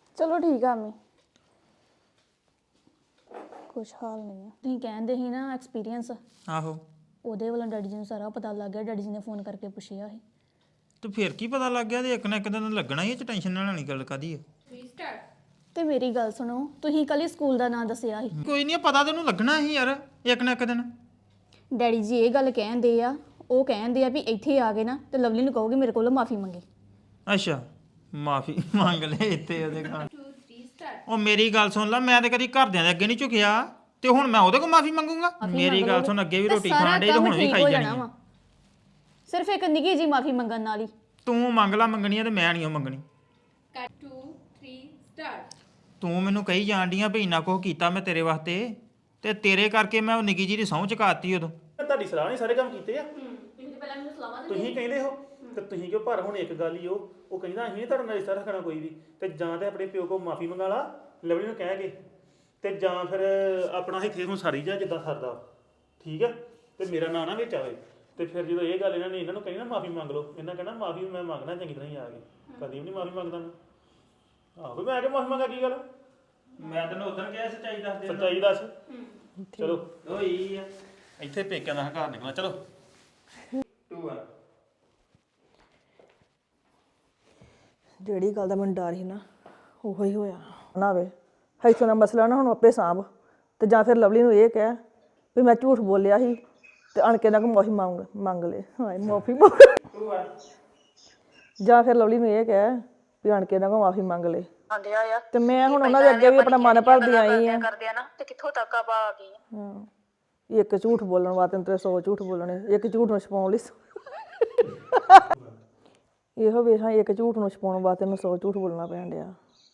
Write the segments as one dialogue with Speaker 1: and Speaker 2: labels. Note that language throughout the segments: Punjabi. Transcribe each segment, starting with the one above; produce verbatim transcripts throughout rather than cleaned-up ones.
Speaker 1: ਚਲੋ ਠੀਕ ਆ ਮੈਂ ਕੁਛ ਹਾਲ ਨਹੀਂ ਆ ਤੁਸੀਂ ਕਹਿੰਦੇ ਸੀ ਨਾ ਐਕਸਪੀਰੀਅੰਸ
Speaker 2: ਆਹੋ
Speaker 1: ਉਹਦੇ ਵੱਲੋਂ ਡੈਡੀ ਜੀ ਨੂੰ ਸਾਰਾ ਪਤਾ ਲੱਗ ਗਿਆ ਡੈਡੀ ਜੀ ਨੇ ਫੋਨ ਕਰਕੇ ਪੁੱਛਿਆ ਸੀ
Speaker 2: ਤੇ ਫਿਰ ਕੀ ਪਤਾ ਲੱਗ ਗਿਆ ਤੇ ਇੱਕ ਨਾ ਇੱਕ ਦਿਨ ਲੱਗਣਾ ਹੀ ਇਹ ਚ ਟੈਨਸ਼ਨ ਨਾਲ ਲੈਣੀ ਗੱਲ ਕਾਦੀ ਹੈ
Speaker 1: ਤੇ ਮੇਰੀ ਗੱਲ ਸੁਣੋ ਤੁਸੀਂ ਕੱਲ ਹੀ ਸਕੂਲ ਦਾ ਨਾਂ ਦੱਸਿਆ ਸੀ
Speaker 2: ਕੋਈ ਨਹੀਂ ਪਤਾ ਤੈਨੂੰ ਲੱਗਣਾ ਹੀ ਯਾਰ ਇੱਕ ਨਾ ਇੱਕ ਦਿਨ
Speaker 1: ਡੈਡੀ ਜੀ ਇਹ ਗੱਲ ਕਹਿੰਦੇ ਆ ਉਹ ਕਹਿੰਦੇ ਆ ਵੀ ਇੱਥੇ ਆ ਗਏ ਨਾ ਤੇ ਲਵਲੀ ਨੂੰ ਕਹੋਗੇ ਮੇਰੇ ਕੋਲੋਂ ਮਾਫੀ ਮੰਗੇ
Speaker 2: ਅੱਛਾ ਮਾਫੀ ਮੰਗ ਲੈ ਇੱਥੇ ਉਹਦੇ ਖਾਣ ਉਹ ਮੇਰੀ ਗੱਲ ਸੁਣ ਲੈ ਮੈਂ ਤੇ ਕਦੀ ਘਰਦਿਆਂ ਦੇ ਅੱਗੇ ਨਹੀਂ ਝੁਕਿਆ ਤੇ ਹੁਣ ਮੈਂ ਉਹਦੇ ਕੋਲ ਮਾਫੀ ਮੰਗੂੰਗਾ ਮੇਰੀ ਗੱਲ ਸੁਣ ਅੱਗੇ ਵੀ ਰੋਟੀ ਖਾਣ ਡੇ ਤੇ ਹੁਣ ਵੀ ਖਾਈ ਜਾਣੀ ਆ।
Speaker 1: ਸਿਰਫ ਇੱਕ ਨਿੱਕੀ ਜੀ ਮਾਫੀ ਮੰਗਣ ਨਾਲ ਹੀ
Speaker 2: ਤੂੰ ਮੰਗ ਲਾ ਮੰਗਣੀ ਆ ਤੇ ਮੈਂ ਨਹੀਂ ਉਹ ਮੰਗਣੀ ਤੂੰ ਮੈਨੂੰ ਕਹੀ ਜਾਂਦੀਆਂ ਵੀ ਇੰਨਾ ਕੁਝ ਕੀਤਾ ਮੈਂ ਤੇਰੇ ਵਾਸਤੇ ਤੇ ਤੇਰੇ ਕਰਕੇ ਮੈਂ ਉਹ ਨਿੱਕੀ ਜੀ ਦੀ ਸਹੁੰ ਚੁਕਾਤੀ ਉਦੋਂ
Speaker 3: ਤੁਹਾਡੀ ਸਲਾਹ ਨਹੀਂ ਸਾਰੇ ਕੰਮ ਕੀਤੇ ਆ ਤੁਸੀਂ ਕਹਿੰਦੇ ਹੋ ਤੇ ਤੁਸੀਂ ਕਿਉਂ ਪਰ ਹੁਣ ਇੱਕ ਗੱਲ ਹੀ ਉਹ ਉਹ ਕਹਿੰਦਾ ਅਸੀਂ ਨਹੀਂ ਤੁਹਾਡੇ ਨਾਲ ਰਿਸ਼ਤਾ ਰੱਖਣਾ ਕੋਈ ਵੀ ਤੇ ਜਾਂ ਤੇ ਆਪਣੇ ਪਿਓ ਕੋਲ ਮਾਫੀ ਮੰਗਾ ਲਾ ਲਵਲੀ ਨੂੰ ਕਹਿ ਕੇ ਤੇ ਜਾਂ ਫਿਰ ਆਪਣਾ ਇੱਥੇ ਹੁਣ ਸਾਰੀ ਜਾ ਜਿੱਦਾਂ ਸਰਦਾ ਠੀਕ ਆ ਤੇ ਮੇਰਾ ਨਾਂ ਨਾ ਵਿੱਚ ਆਵੇ ਤੇ ਫਿਰ ਜਦੋਂ ਇਹ ਗੱਲ ਇਹਨਾਂ ਨੇ ਇਹਨਾਂ ਨੂੰ ਕਹੀ ਨਾ ਮਾਫੀ ਮੰਗ ਲਓ ਇਹਨਾਂ ਕਹਿਣਾ ਮਾਫੀ ਮੈਂ ਮੰਗਣਾ ਚੰਗੀ ਤਰ੍ਹਾਂ ਹੀ ਆ ਕੇ ਕਦੀ ਵੀ ਨਹੀਂ ਮਾਫੀ ਮੰਗਦਾ ਮੈਂ ਆਹੋ ਮੈਂ ਆ ਕੇ ਮਾਫੀ ਮੰਗਾ ਕੀ ਗੱਲ
Speaker 2: ਮੈਂ ਤੈਨੂੰ ਉਦੋਂ ਕਿਹਾ ਸੱਚਾਈ ਦੱਸ ਦੇ
Speaker 3: ਸੱਚਾਈ ਦੱਸ ਚਲੋ
Speaker 2: ਓਏ ਆ ਇੱਥੇ ਪੇਕਿਆਂ ਦਾ ਹੰਕਾਰ ਨਿਕਲਣਾ ਚਲੋ ਟੂ ਆ
Speaker 4: ਜਿਹੜੀ ਗੱਲ ਦਾ ਮੈਨੂੰ ਡਰ ਸੀ ਨਾ ਉਹੋ ਹੀ ਹੋਇਆ ਨਾ ਵੇ ਇੱਥੋਂ ਦਾ ਮਸਲਾ ਨਾ ਹੁਣ ਆਪੇ ਸਾਂਭ ਤੇ ਜਾਂ ਫਿਰ ਲਵਲੀ ਨੂੰ ਇਹ ਕਹਿ ਵੀ ਮੈਂ ਝੂਠ ਬੋਲਿਆ ਸੀ ਤੇ ਅਣ ਕੇ ਨਾ ਕੋ ਮਾਫੀ ਮੰਗ ਮੰਗ ਲੈ ਹਾਏ ਮਾਫੀ
Speaker 2: ਟੂ ਆ
Speaker 4: ਜਾਂ ਫਿਰ ਲਵਲੀ ਨੂੰ ਇਹ ਕਹਿ ਵੀ ਅਣ ਕੇ ਨਾ ਕੋ ਮਾਫੀ ਮੰਗ ਲੈ ਤੇ ਮੈਂ ਹੁਣ ਉਹਨਾਂ ਦੇ ਅੱਗੇ ਵੀ ਆਪਣਾ ਮਨ ਭਰਦੀ ਆਈ ਆ
Speaker 5: ਕਰਦੇ ਆ ਨਾ ਤੇ ਕਿੱਥੋਂ ਤੱਕ ਆਪਾਂ ਆ ਗਏ ਆ
Speaker 4: ਹਾਂ ਇੱਕ ਝੂਠ ਬੋਲਣ ਵਾਸਤੇ ਤੇ ਸੌ ਝੂਠ ਬੋਲਣੇ ਇੱਕ ਝੂਠ ਨੂੰ ਛਪਾਉਣ ਲਈ ਇਹੋ ਵੇਖਾਂ ਇੱਕ ਝੂਠ ਨੂੰ ਛਪਾਉਣ ਵਾਸਤੇ ਨੂੰ ਸੌ ਝੂਠ ਬੋਲਣਾ ਪੈਣ ਡਿਆ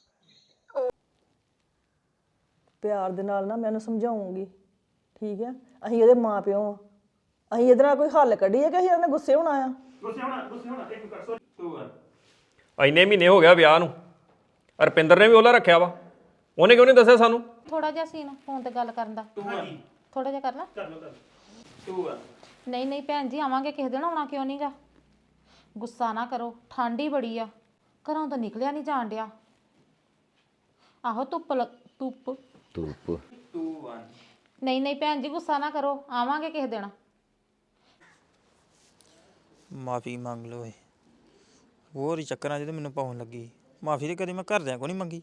Speaker 4: ਪਿਆਰ ਦੇ ਨਾਲ ਨਾ ਮੈਂ ਉਹਨੂੰ ਸਮਝਾਉਂਗੀ ਠੀਕ ਹੈ ਅਸੀਂ ਇਹਦੇ ਮਾਂ ਪਿਓ ਆ ਅਸੀਂ ਇਹਦੇ ਨਾਲ ਕੋਈ ਹੱਲ ਕੱਢੀਏ ਕਿ ਅਸੀਂ ਇਹਨੇ ਗੁੱਸੇ ਹੋਣਾ ਆ
Speaker 3: ਗੁੱਸੇ ਹੋਣਾ ਗੁੱਸੇ ਹੋਣਾ ਇੱਕ ਕਰ ਸੋ
Speaker 2: ਟੂ ਆ
Speaker 6: ਇੰਨੇ ਮਹੀਨੇ ਹੋ ਗਿਆ ਵਿਆਹ ਨੂੰ ਰੁਪਿੰਦਰ ਨੇ ਵੀ ਉਹਲਾ ਰੱਖਿਆ ਵਾ ਉਹਨੇ ਕਿਉਂ ਨਹੀਂ ਦੱਸਿਆ ਸਾਨੂੰ
Speaker 7: ਥੋੜਾ ਜਿਹਾ ਸੀਨ ਫੋਨ ਤੇ ਗੱਲ ਕਰਨ ਦਾ ਥੋੜਾ ਜਿਹਾ ਕਰ ਲਾ
Speaker 3: ਕਰ ਲਓ ਕਰ
Speaker 2: ਟੂ ਆ
Speaker 7: ਨਹੀਂ ਨਹੀਂ ਭੈਣ ਜੀ ਆਵਾਂਗੇ ਕਿਸੇ ਦਿਨ ਆਉਣਾ ਕਿਉਂ ਨਹੀਂਗਾ ਗੁੱਸਾ ਨਾ ਕਰੋ ਠੰਡ ਹੀ ਬੜੀ ਆ ਘਰੋਂ ਤਾਂ ਨਿਕਲਿਆ ਨਹੀਂ ਜਾਣ ਡਿਆ ਆਹੋ ਧੁੱਪ ਲ- ਧੁੱਪ
Speaker 6: ਧੂਪ
Speaker 2: ਟੂ ਆ
Speaker 7: ਨਹੀਂ ਨਹੀਂ ਭੈਣ ਜੀ ਗੁੱਸਾ ਨਾ ਕਰੋ ਆਵਾਂਗੇ ਕਿਸੇ ਦਿਨ
Speaker 2: ਮਾਫੀ ਮੰਗ ਲਓ ਏ ਹੋਰ ਹੀ ਚੱਕਰਾਂ 'ਚ ਤੇ ਮੈਨੂੰ ਪਾਉਣ ਲੱਗੀ ਮਾਫੀ ਤੇ ਕਦੇ ਮੈਂ ਘਰਦਿਆਂ ਕੋ ਨਹੀਂ ਮੰਗੀ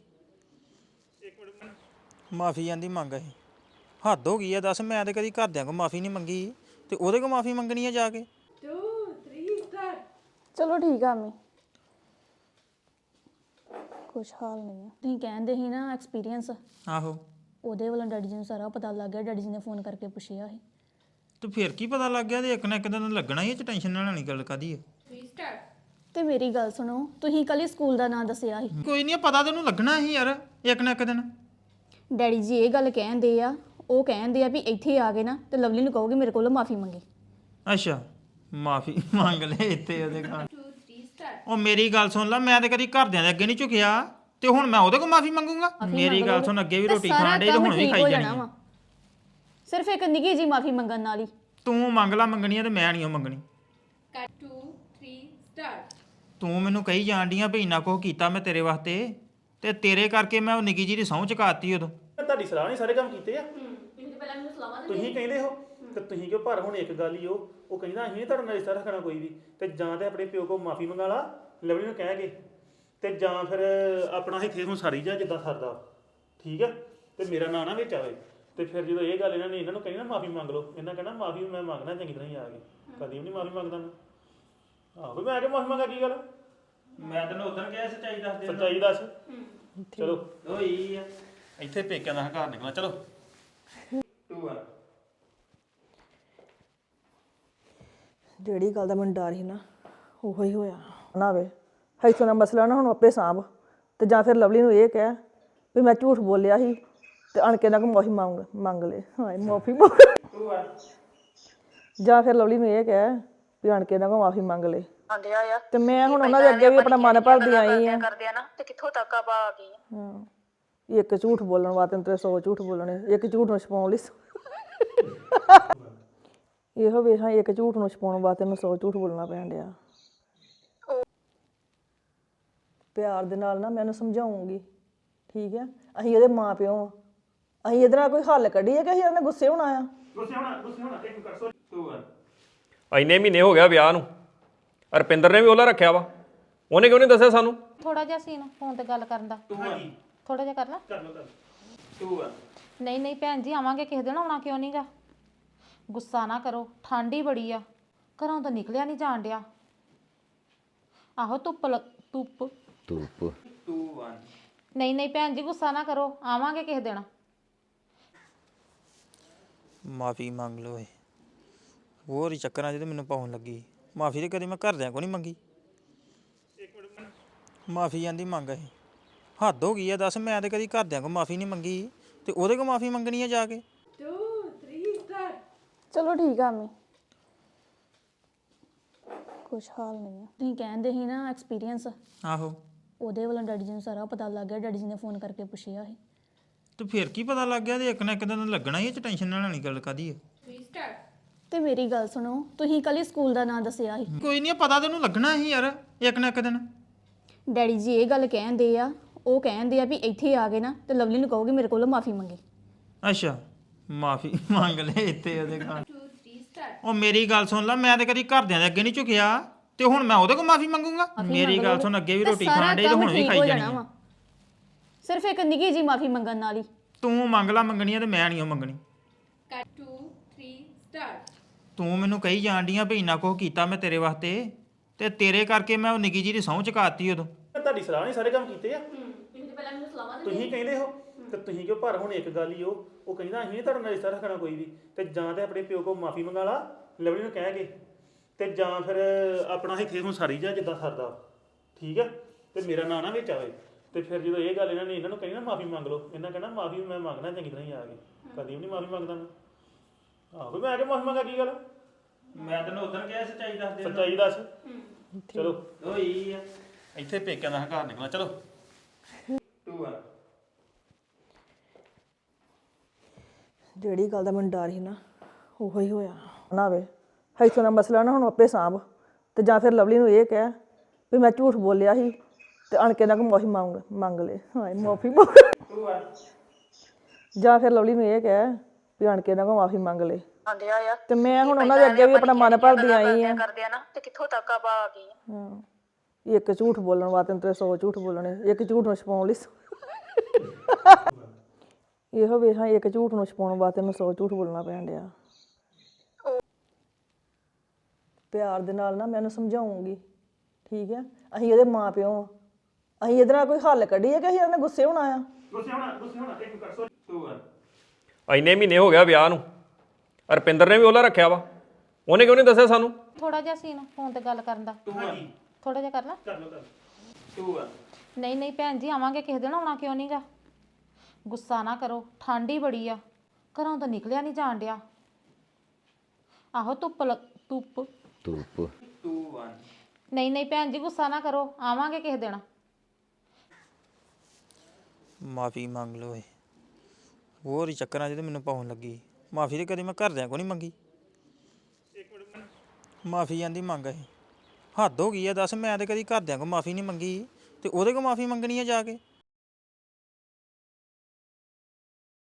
Speaker 2: ਮਾਫੀ ਆਂਦੀ ਮੰਗ ਇਹ ਹੱਦ ਹੋ ਗਈ ਆ ਦੱਸ ਮੈਂ ਤੇ ਕਦੀ ਘਰਦਿਆਂ ਕੋ ਮਾਫੀ ਨਹੀਂ ਮੰਗੀ ਤੇ ਉਹਦੇ ਕੋ ਮਾਫੀ ਮੰਗਣੀ ਆ ਜਾ ਕੇ
Speaker 1: ਚਲੋ ਠੀਕ ਆ ਮੈਂ ਕੁਛ ਹਾਲ ਨਹੀਂ ਆ ਤੁਸੀਂ ਕਹਿੰਦੇ ਸੀ ਨਾ ਐਕਸਪੀਰੀਅੰਸ
Speaker 2: ਆਹੋ
Speaker 1: ਉਹਦੇ ਵੱਲੋਂ ਡੈਡੀ ਜੀ ਨੂੰ ਸਾਰਾ ਪਤਾ ਲੱਗ ਗਿਆ ਡੈਡੀ ਜੀ ਨੇ ਫੋਨ ਕਰਕੇ ਪੁੱਛਿਆ ਸੀ
Speaker 2: ਤੇ ਫਿਰ ਕੀ ਪਤਾ ਲੱਗ ਗਿਆ ਤੇ ਇੱਕ ਨਾ ਇੱਕ ਦਿਨ ਲੱਗਣਾ ਹੀ ਇਹ ਚ ਟੈਨਸ਼ਨ ਨਾਲ ਲੈਣੀ ਗੱਲ ਕਾਦੀ ਹੈ
Speaker 1: ਤੇ ਮੇਰੀ ਗੱਲ ਸੁਣੋ ਤੁਸੀਂ ਕੱਲ ਹੀ ਸਕੂਲ ਦਾ ਨਾਂ ਦੱਸਿਆ ਸੀ
Speaker 2: ਕੋਈ ਨਹੀਂ ਪਤਾ ਤੈਨੂੰ ਲੱਗਣਾ ਹੀ ਯਾਰ ਇੱਕ ਨਾ ਇੱਕ ਦਿਨ
Speaker 1: ਡੈਡੀ ਜੀ ਇਹ ਗੱਲ ਕਹਿੰਦੇ ਆ ਉਹ ਕਹਿੰਦੇ ਆ ਵੀ ਇੱਥੇ ਆ ਗਏ ਨਾ ਤੇ ਲਵਲੀ ਨੂੰ ਕਹੋਗੇ ਮੇਰੇ ਕੋਲੋਂ ਮਾਫੀ ਮੰਗੇ
Speaker 2: ਅੱਛਾ ਮਾਫੀ ਮੰਗ ਲੈ ਇੱਥੇ ਉਹਦੇ ਖਾਣ ਉਹ ਮੇਰੀ ਗੱਲ ਸੁਣ ਲੈ ਮੈਂ ਤੇ ਕਦੀ ਘਰਦਿਆਂ ਦੇ ਅੱਗੇ ਨਹੀਂ ਝੁਕਿਆ ਤੇ ਹੁਣ ਮੈਂ ਉਹਦੇ ਕੋਲ ਮਾਫੀ ਮੰਗੂੰਗਾ ਮੇਰੀ ਗੱਲ ਸੁਣ ਅੱਗੇ ਵੀ ਰੋਟੀ ਖਾਣ ਡੇ ਤੇ ਹੁਣ ਵੀ ਖਾਈ ਜਾਣੀ ਆ।
Speaker 1: ਸਿਰਫ ਇੱਕ ਨਿੱਕੀ ਜੀ ਮਾਫੀ ਮੰਗਣ ਨਾਲ ਹੀ
Speaker 2: ਤੂੰ ਮੰਗ ਲਾ ਮੰਗਣੀ ਆ ਤੇ ਮੈਂ ਨਹੀਂ ਉਹ ਮੰਗਣੀ ਤੂੰ ਮੈਨੂੰ ਕਹੀ ਜਾਂਦੀਆਂ ਵੀ ਇੰਨਾ ਕੁਝ ਕੀਤਾ ਮੈਂ ਤੇਰੇ ਵਾਸਤੇ ਤੇ ਤੇਰੇ ਕਰਕੇ ਮੈਂ ਉਹ ਨਿੱਕੀ ਜੀ ਦੀ ਸਹੁੰ ਚੁਕਾਤੀ ਉਦੋਂ
Speaker 3: ਤੁਹਾਡੀ ਸਲਾਹ ਨਹੀਂ ਸਾਰੇ ਕੰਮ ਕੀਤੇ ਆ ਤੁਸੀਂ ਕਹਿੰਦੇ ਹੋ ਤੇ ਤੁਸੀਂ ਕਿਉਂ ਪਰ ਹੁਣ ਇੱਕ ਗੱਲ ਹੀ ਉਹ ਉਹ ਕਹਿੰਦਾ ਅਸੀਂ ਨਹੀਂ ਤੁਹਾਡੇ ਨਾਲ ਰਿਸ਼ਤਾ ਰੱਖਣਾ ਕੋਈ ਵੀ ਤੇ ਜਾਂ ਤੇ ਆਪਣੇ ਪਿਓ ਕੋਲ ਮਾਫੀ ਮੰਗਾ ਲਾ ਲਵਲੀ ਨੂੰ ਕਹਿ ਕੇ ਤੇ ਜਾਂ ਫਿਰ ਆਪਣਾ ਇੱਥੇ ਹੁਣ ਸਾਰੀ ਜਾ ਜਿੱਦਾਂ ਸਰਦਾ ਠੀਕ ਆ ਤੇ ਮੇਰਾ ਨਾਂ ਨਾ ਵਿੱਚ ਆਵੇ ਤੇ ਫਿਰ ਜਦੋਂ ਇਹ ਗੱਲ ਇਹਨਾਂ ਨੇ ਇਹਨਾਂ ਨੂੰ ਕਹੀ ਨਾ ਮਾਫੀ ਮੰਗ ਲਓ ਇਹਨਾਂ ਕਹਿਣਾ ਮਾਫੀ ਮੈਂ ਮੰਗਣਾ ਚੰਗੀ ਤਰ੍ਹਾਂ ਹੀ ਆ ਕੇ ਕਦੀ ਵੀ ਨਹੀਂ ਮਾਫੀ ਮੰਗਦਾ ਮੈਂ ਆਹੋ ਮੈਂ ਆ ਕੇ ਮਾਫੀ ਮੰਗਾ ਕੀ ਗੱਲ
Speaker 2: ਮੈਂ ਤੈਨੂੰ ਉਦੋਂ ਕਿਹਾ ਸੱਚਾਈ ਦੱਸ ਦੇ
Speaker 3: ਸੱਚਾਈ ਦੱਸ ਚਲੋ
Speaker 2: ਓਏ ਆ ਇੱਥੇ ਪੇਕਿਆਂ ਦਾ ਹੰਕਾਰ ਨਿਕਲਣਾ ਚਲੋ ਟੂ ਆ
Speaker 4: ਜਿਹੜੀ ਗੱਲ ਦਾ ਮੈਨੂੰ ਡਰ ਸੀ ਨਾ ਉਹੋ ਹੀ ਹੋਇਆ ਨਾ ਵੇ ਇੱਥੋਂ ਦਾ ਮਸਲਾ ਨਾ ਹੁਣ ਆਪੇ ਸਾਂਭ ਤੇ ਜਾਂ ਫਿਰ ਲਵਲੀ ਨੂੰ ਇਹ ਕਹਿ ਵੀ ਮੈਂ ਝੂਠ ਬੋਲਿਆ ਸੀ ਤੇ ਅਣ ਕੇ ਨਾ ਕੋ ਮਾਫੀ ਮੰਗ ਮੰਗ ਲੈ ਹਾਏ ਮਾਫੀ
Speaker 2: ਟੂ ਆ
Speaker 4: ਜਾਂ ਫਿਰ ਲਵਲੀ ਨੂੰ ਇਹ ਕਹਿ ਵੀ ਅਣ ਕੇ ਨਾ ਕੋ ਮਾਫੀ ਮੰਗ ਲੈ
Speaker 5: ਆਂਦੇ ਆ
Speaker 4: ਤੇ ਮੈਂ ਹੁਣ ਉਹਨਾਂ ਦੇ ਅੱਗੇ ਵੀ ਆਪਣਾ ਮਨ ਭਰਦੀ ਆਈ ਆ
Speaker 5: ਕਰਦੇ ਆ ਨਾ ਤੇ ਕਿੱਥੋਂ ਤੱਕ ਆਪਾਂ ਆ ਗਏ ਆ
Speaker 4: ਹਾਂ ਇੱਕ ਝੂਠ ਬੋਲਣ ਵਾਸਤੇ ਤੇ ਸੌ ਝੂਠ ਬੋਲਣੇ ਇੱਕ ਝੂਠ ਨੂੰ ਛਪਾਉਣ ਲਈ ਇਹੋ ਵੇਖਾਂ ਇੱਕ ਝੂਠ ਨੂੰ ਛਪਾਉਣ ਵਾਸਤੇ ਨੂੰ ਸੌ ਝੂਠ ਬੋਲਣਾ ਪੈਣ ਡਿਆ ਪਿਆਰ ਦੇ ਨਾਲ ਨਾ ਮੈਂ ਉਹਨੂੰ ਸਮਝਾਉਂਗੀ ਠੀਕ ਹੈ ਅਸੀਂ ਉਹਦੇ ਮਾਂ ਪਿਓ ਆ ਅਸੀਂ ਇਹਦੇ ਨਾਲ ਕੋਈ ਹੱਲ ਕੱਢੀਏ ਕਿ ਅਸੀਂ ਇਹਨਾਂ ਗੁੱਸੇ ਹੋਣਾ ਆ
Speaker 3: ਗੁੱਸੇ ਹੋਣਾ ਗੁੱਸੇ ਹੋਣਾ ਇੱਕ ਕਰ ਸੋ ਟੂ ਵਨ
Speaker 6: ਇੰਨੇ ਮਹੀਨੇ ਹੋ ਗਿਆ ਵਿਆਹ ਨੂੰ ਰਪਿੰਦਰ ਨੇ ਵੀ ਉਹਲਾ ਰੱਖਿਆ ਵਾ ਉਹਨੇ ਕਿਉਂ ਨਹੀਂ ਦੱਸਿਆ ਸਾਨੂੰ
Speaker 7: ਥੋੜਾ ਜਿਹਾ ਸੀਨ ਫੋਨ ਤੇ ਗੱਲ ਕਰਨ ਦਾ
Speaker 3: ਹਾਂਜੀ
Speaker 7: ਥੋੜਾ ਜਿਹਾ ਕਰ ਲਾ
Speaker 3: ਕਰ ਲਓ ਕਰ ਟੂ ਵਨ
Speaker 7: ਨਹੀਂ ਨਹੀਂ ਭੈਣ ਜੀ ਆਵਾਂਗੇ ਕਿਸੇ ਦਿਨ ਆਉਣਾ ਕਿਉਂ ਨਹੀਂਗਾ ਗੁੱਸਾ ਨਾ ਕਰੋ ਠੰਡ ਹੀ ਬੜੀ ਆ ਘਰੋਂ ਤਾਂ ਨਿਕਲਿਆ ਨਹੀਂ ਜਾਣ ਡਿਆ ਆਹੋ ਧੁੱਪ ਲੱਗ- ਧੁੱਪ
Speaker 8: ਧੂਪ
Speaker 2: ਟੂ ਵਨ
Speaker 7: ਨਹੀਂ ਨਹੀਂ ਭੈਣ ਜੀ ਗੁੱਸਾ ਨਾ ਕਰੋ ਆਵਾਂਗੇ ਕਿਸੇ ਦਿਨ
Speaker 2: ਮਾਫੀ ਮੰਗ ਲਓ ਏ ਹੋਰ ਹੀ ਚੱਕਰਾਂ 'ਚ ਤੇ ਮੈਨੂੰ ਪਾਉਣ ਲੱਗੀ ਮਾਫੀ ਤੇ ਕਦੀ ਮੈਂ ਘਰਦਿਆਂ ਕੋ ਨਹੀਂ ਮੰਗੀ ਮਾਫੀ ਆਂਦੀ ਮੰਗ ਇਹ ਹੱਦ ਹੋ ਗਈ ਆ ਦੱਸ ਮੈਂ ਤੇ ਕਦੀ ਘਰਦਿਆਂ ਕੋ ਮਾਫੀ ਨਹੀਂ ਮੰਗੀ ਤੇ ਉਹਦੇ ਕੋ ਮਾਫੀ ਮੰਗਣੀ ਆ ਜਾ ਕੇ
Speaker 1: ਚਲੋ ਠੀਕ ਆ ਮੈਂ ਕੁਛ ਹਾਲ ਨਹੀਂ ਆ ਤੁਸੀਂ ਕਹਿੰਦੇ ਸੀ ਨਾ ਐਕਸਪੀਰੀਅੰਸ
Speaker 2: ਆਹੋ
Speaker 1: ਉਹਦੇ ਵੱਲੋਂ ਡੈਡੀ ਜੀ ਨੂੰ ਸਾਰਾ ਪਤਾ ਲੱਗ ਗਿਆ ਡੈਡੀ ਜੀ ਨੇ ਫੋਨ ਕਰਕੇ ਪੁੱਛਿਆ ਸੀ
Speaker 2: ਤੇ ਫਿਰ ਕੀ ਪਤਾ ਲੱਗ ਗਿਆ ਤੇ ਇੱਕ ਨਾ ਇੱਕ ਦਿਨ ਲੱਗਣਾ ਹੀ ਇਹ ਚ ਟੈਨਸ਼ਨ ਨਾਲ ਨਹੀਂ ਗੱਲ ਕਾਦੀ ਹੈ
Speaker 1: ਤੇ ਮੇਰੀ ਗੱਲ ਸੁਣੋ ਤੁਸੀਂ ਕੱਲ ਹੀ ਸਕੂਲ ਦਾ ਨਾਂ ਦੱਸਿਆ ਸੀ
Speaker 2: ਕੋਈ ਨਹੀਂ ਪਤਾ ਤੈਨੂੰ ਲੱਗਣਾ ਹੀ ਯਾਰ ਇੱਕ ਨਾ ਇੱਕ ਦਿਨ
Speaker 1: ਡੈਡੀ ਜੀ ਇਹ ਗੱਲ ਕਹਿੰਦੇ ਆ ਉਹ ਕਹਿੰਦੇ ਆ ਵੀ ਇੱਥੇ ਆ ਗਏ ਨਾ ਤੇ ਲਵਲੀ ਨੂੰ ਕਹੋਗੇ ਮੇਰੇ ਕੋਲੋਂ ਮਾਫੀ ਮੰਗੇ
Speaker 2: ਅੱਛਾ ਮਾਫੀ ਮੰਗ ਲੈ ਇੱਥੇ ਉਹਦੇ ਘਰ ਉਹ ਮੇਰੀ ਗੱਲ ਸੁਣ ਲੈ ਮੈਂ ਤੇ ਕਦੀ ਘਰਦਿਆਂ ਦੇ ਅੱਗੇ ਨਹੀਂ ਝੁਕਿਆ ਤੇ ਹੁਣ ਮੈਂ ਉਹਦੇ ਕੋਲ ਮਾਫੀ ਮੰਗੂੰਗਾ ਮੇਰੀ ਗੱਲ ਸੁਣ ਅੱਗੇ ਵੀ ਰੋਟੀ ਖਾਣ ਡੇ ਤੇ ਹੁਣ ਵੀ ਖਾਈ ਜਾਣੀ ਆ।
Speaker 1: ਸਿਰਫ ਇੱਕ ਨਿੱਕੀ ਜੀ ਮਾਫੀ ਮੰਗਣ ਨਾਲ ਹੀ
Speaker 2: ਤੂੰ ਮੰਗ ਲਾ ਮੰਗਣੀ ਆ ਤੇ ਮੈਂ ਨਹੀਂ ਉਹ ਮੰਗਣੀ ਤੂੰ ਮੈਨੂੰ ਕਹੀ ਜਾਣ ਡੀਆਂ ਵੀ ਇੰਨਾ ਕੁਛ ਕੀਤਾ ਮੈਂ ਤੇਰੇ ਵਾਸਤੇ ਤੇ ਤੇਰੇ ਕਰਕੇ ਮੈਂ ਉਹ ਨਿੱਕੀ ਜੀ ਦੀ ਸਹੁੰ ਚੁਕਾਤੀ ਉਦੋਂ
Speaker 3: ਤੁਹਾਡੀ ਸਲਾਹ ਨਹੀਂ ਸਾਰੇ ਕੰਮ ਕੀਤੇ ਆ ਤੁਸੀਂ ਕਹਿੰਦੇ ਹੋ ਤੇ ਤੁਸੀਂ ਕਿਉਂ ਪਰ ਹੁਣ ਇੱਕ ਗੱਲ ਹੀ ਉਹ ਉਹ ਕਹਿੰਦਾ ਅਸੀਂ ਨਹੀਂ ਤੁਹਾਡਾ ਨਾਲ ਰਿਸ਼ਤਾ ਰੱਖਣਾ ਕੋਈ ਵੀ ਤੇ ਜਾਂ ਤੇ ਆਪਣੇ ਪਿਓ ਕੋਲ ਮਾਫੀ ਮੰਗਾ ਲਾ ਲਵਲੀ ਨੂੰ ਕਹਿ ਕੇ ਤੇ ਜਾਂ ਫਿਰ ਆਪਣਾ ਇੱਥੇ ਹੁਣ ਸਾਰੀ ਜਾ ਜਿੱਦਾਂ ਸਰਦਾ ਠੀਕ ਆ ਤੇ ਮੇਰਾ ਨਾਂ ਨਾ ਵਿੱਚ ਆਵੇ ਤੇ ਫਿਰ ਜਦੋਂ ਇਹ ਗੱਲ ਇਹਨਾਂ ਨੇ ਇਹਨਾਂ ਨੂੰ ਕਹੀ ਨਾ ਮਾਫੀ ਮੰਗ ਲਓ ਇਹਨਾਂ ਕਹਿਣਾ ਮਾਫੀ ਮੈਂ ਮੰਗਣਾ ਚੰਗੀ ਤਰ੍ਹਾਂ ਹੀ ਆ ਕੇ ਕਦੀ ਵੀ ਨਹੀਂ ਮਾਫੀ ਮੰਗਦਾ ਮੈਂ ਆਹੋ ਮੈਂ ਆ ਕੇ ਮਾਫੀ ਮੰਗਾ ਕੀ ਗੱਲ
Speaker 2: ਮੈਂ ਤੈਨੂੰ ਉਦੋਂ ਕਿਹਾ ਸੱਚਾਈ ਦੱਸ ਦੇ
Speaker 3: ਸੱਚਾਈ ਦੱਸ ਚਲੋ
Speaker 2: ਹੋਈ ਆ
Speaker 3: ਇੱਥੇ ਪੇਕਿਆਂ ਦਾ ਹੰਕਾਰ ਨਿਕਲਣਾ ਚਲੋ
Speaker 2: ਟੂ ਆ
Speaker 4: ਜਿਹੜੀ ਗੱਲ ਦਾ ਮੈਨੂੰ ਡਰ ਸੀ ਨਾ ਉਹੋ ਹੀ ਹੋਇਆ ਨਾ ਵੇ ਇੱਥੋਂ ਦਾ ਮਸਲਾ ਨਾ ਹੁਣ ਆਪੇ ਸਾਂਭ ਤੇ ਜਾਂ ਫਿਰ ਲਵਲੀ ਨੂੰ ਇਹ ਕਹਿ ਵੀ ਮੈਂ ਝੂਠ ਬੋਲਿਆ ਸੀ ਤੇ ਅਣ ਕੇ ਨਾ ਕੋ ਮਾਫੀ ਮੰਗ ਮੰਗ ਲੈ ਹਾਏ ਮਾਫੀ ਮੰਗ
Speaker 2: ਟੂ ਆ
Speaker 4: ਜਾਂ ਫਿਰ ਲਵਲੀ ਨੂੰ ਇਹ ਕਹਿ ਵੀ ਅਣ ਕੇ ਨਾ ਕੋ ਮਾਫੀ ਮੰਗ ਲੈ
Speaker 5: ਆਂਦਿਆ ਆ
Speaker 4: ਤੇ ਮੈਂ ਹੁਣ ਉਹਨਾਂ ਦੇ ਅੱਗੇ ਵੀ ਆਪਣਾ ਮਨ ਭਰਦੀ ਆਈ ਆ
Speaker 5: ਕਰਦੇ ਆ ਨਾ ਤੇ ਕਿੱਥੋਂ ਤੱਕ ਆਪਾਂ ਆ ਗਏ ਆ
Speaker 4: ਹਾਂ ਇੱਕ ਝੂਠ ਬੋਲਣ ਵਾਸਤੇ ਤੇ ਸੌ ਝੂਠ ਬੋਲਣੇ ਇੱਕ ਝੂਠ ਨੂੰ ਛਪਾਉਣ ਲਈ ਸੌ- ਇਹੋ ਵੇ ਹਾਂ ਇੱਕ ਝੂਠ ਨੂੰ ਛਪਾਉਣ ਵਾਸਤੇ ਮੈਨੂੰ ਸੌ ਝੂਠ ਬੋਲਣਾ ਪੈਣ ਡਿਆ ਪਿਆਰ ਦੇ ਨਾਲ ਨਾ ਮੈਂ ਉਹਨੂੰ ਸਮਝਾਉਂਗੀ ਠੀਕ ਹੈ ਅਸੀਂ ਉਹਦੇ ਮਾਂ ਪਿਓ ਆ ਅਸੀਂ ਇਹਦੇ ਨਾਲ ਕੋਈ ਹੱਲ ਕੱਢੀਏ ਕਿ ਅਸੀਂ ਇਹਨਾਂ ਗੁੱਸੇ ਹੋਣਾ ਆ
Speaker 3: ਗੁੱਸੇ ਹੋਣਾ ਗੁੱਸੇ ਹੋਣਾ ਇੱਕ ਕਰ ਸੋ
Speaker 2: ਟੂ ਆ
Speaker 6: ਇੰਨੇ ਮਹੀਨੇ ਹੋ ਗਿਆ ਵਿਆਹ ਨੂੰ ਰਪਿੰਦਰ ਨੇ ਵੀ ਉਹਲਾ ਰੱਖਿਆ ਵਾ ਉਹਨੇ ਕਿਉਂ ਨਹੀਂ ਦੱਸਿਆ ਸਾਨੂੰ
Speaker 7: ਥੋੜਾ ਜਿਹਾ ਸੀਨ ਫੋਨ ਤੇ ਗੱਲ ਕਰਨ ਦਾ
Speaker 3: ਹਾਂਜੀ
Speaker 7: ਥੋੜਾ ਜਿਹਾ ਕਰ ਲਾ
Speaker 3: ਕਰ ਲਓ ਕਰ
Speaker 2: ਟੂ ਆ
Speaker 7: ਨਹੀਂ ਨਹੀਂ ਭੈਣ ਜੀ ਆਵਾਂਗੇ ਕਿਸੇ ਦਿਨ ਆਉਣਾ ਕਿਉਂ ਨਹੀਂਗਾ ਗੁੱਸਾ ਨਾ ਕਰੋ ਠੰਡ ਹੀ ਬੜੀ ਆ ਘਰੋਂ ਤਾਂ ਨਿਕਲਿਆ ਨਹੀਂ ਜਾਣ ਡਿਆ ਆਹੋ ਧੁੱਪ ਲੱਗ- ਧੁੱਪ
Speaker 8: ਧੂਪ
Speaker 2: ਟੂ ਵਨ
Speaker 7: ਨਹੀਂ ਨਹੀਂ ਭੈਣ ਜੀ ਗੁੱਸਾ ਨਾ ਕਰੋ ਆਵਾਂਗੇ ਕਿਸੇ ਦਿਨ
Speaker 2: ਮਾਫੀ ਮੰਗ ਲਓ ਏ ਹੋਰ ਹੀ ਚੱਕਰਾਂ 'ਚ ਤੇ ਮੈਨੂੰ ਪਾਉਣ ਲੱਗੀ ਮਾਫੀ ਤੇ ਕਦੀ ਮੈਂ ਘਰਦਿਆਂ ਕੋ ਨਹੀਂ ਮੰਗੀ ਮਾਫੀ ਆਂਦੀ ਮੰਗ ਇਹ ਹੱਦ ਹੋ ਗਈ ਆ ਦੱਸ ਮੈਂ ਤੇ ਕਦੀ ਘਰਦਿਆਂ ਕੋ ਮਾਫੀ ਨਹੀਂ ਮੰਗੀ ਤੇ ਉਹਦੇ ਕੋ ਮਾਫੀ ਮੰਗਣੀ ਆ ਜਾ ਕੇ